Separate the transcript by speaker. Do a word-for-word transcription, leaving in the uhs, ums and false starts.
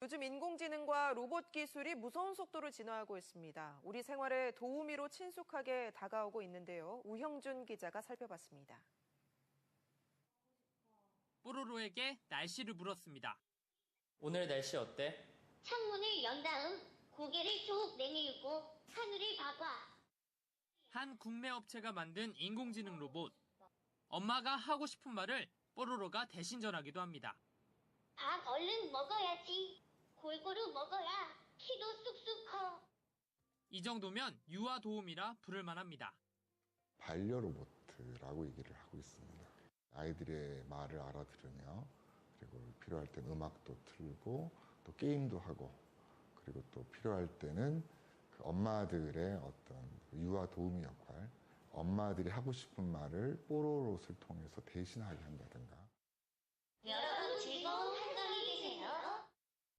Speaker 1: 요즘 인공지능과 로봇 기술이 무서운 속도로 진화하고 있습니다. 우리 생활에 도우미로 친숙하게 다가오고 있는데요. 우형준 기자가 살펴봤습니다.
Speaker 2: 뽀로로에게 날씨를 물었습니다.
Speaker 3: 오늘 날씨 어때?
Speaker 4: 창문을 연 다음 고개를 쭉 내밀고 하늘을 봐봐.
Speaker 2: 한 국내 업체가 만든 인공지능 로봇. 엄마가 하고 싶은 말을 뽀로로가 대신 전하기도 합니다.
Speaker 4: 밥 얼른 먹어야지. 골고루 먹어야 키도 쑥쑥 커.
Speaker 2: 이 정도면 유아 도우미라 부를 만합니다.
Speaker 5: 반려로봇이라고 얘기를 하고 있습니다. 아이들의 말을 알아들으며 그리고 필요할 땐 음악도 틀고 또 게임도 하고 그리고 또 필요할 때는 그 엄마들의 어떤 유아 도우미 역할, 엄마들이 하고 싶은 말을 뽀로로봇을 통해서 대신하게 한다든가.
Speaker 4: 여러